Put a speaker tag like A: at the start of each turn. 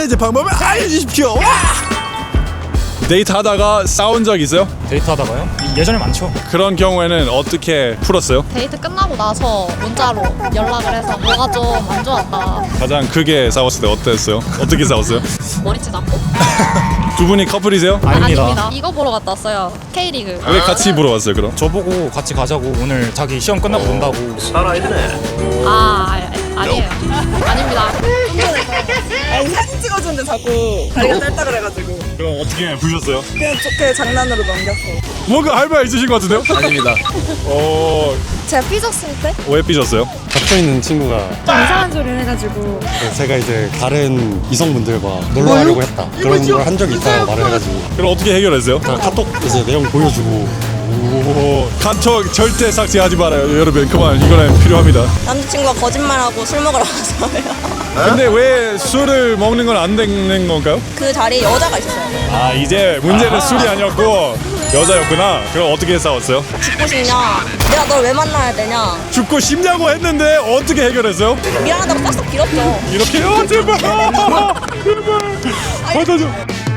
A: 메시지 방법을 알려주십시오. 데이트하다가 싸운 적 있어요?
B: 데이트하다가요? 예전에 많죠.
A: 그런 경우에는 어떻게 풀었어요?
C: 데이트 끝나고 나서 문자로 연락을 해서 뭐가 좀 안 좋았다.
A: 가장 크게 싸웠을 때 어땠어요? 어떻게 싸웠어요?
C: 머리채 잡고.
A: 두 분이 커플이세요?
B: 아닙니다.
C: 이거 보러 갔다 왔어요. K리그.
A: 왜 같이 보러 왔어요 그럼?
B: 저보고 같이 가자고 오늘 자기 시험 끝나고 논다고.
C: 아니에요. 아닙니다.
D: 아니 사진 찍어주는데 자꾸 다리가 짧다 그래가지고
A: 그럼 어떻게 부셨어요?
D: 그냥 좋게 장난으로 넘겼어.
A: 뭔가 할 말 있으신 것 같은데요? 아닙니다.
C: 제가 삐졌을 때?
A: 왜 삐졌어요?
E: 갇혀 있는 친구가
C: 이상한 소리를 해가지고.
E: 제가 이제 다른 이성분들과 놀러 가려고 했다 그런 걸 한 적이 있다고 말을 해가지고
A: 그럼 어떻게 해결했어요?
E: 제가 카톡 이제 내용 보여주고
A: 카톡 절대 삭제하지 말아요 여러분. 그만, 이거는 필요합니다.
D: 남자친구가 거짓말하고 술 먹으러 가서요.
A: 근데 왜 술을 먹는 건 안 되는 건가요?
D: 그 자리에 여자가 있었어요.
A: 아, 이제 문제는 술이 아니었고 여자였구나. 그럼 어떻게 싸웠어요?
D: 죽고 싶냐? 내가 널 왜 만나야 되냐?
A: 죽고 싶냐고 했는데 어떻게 해결했어요?
D: 미안하다고 싹싹 빌었죠.
A: 이렇게요? 제발 제발 받아줘.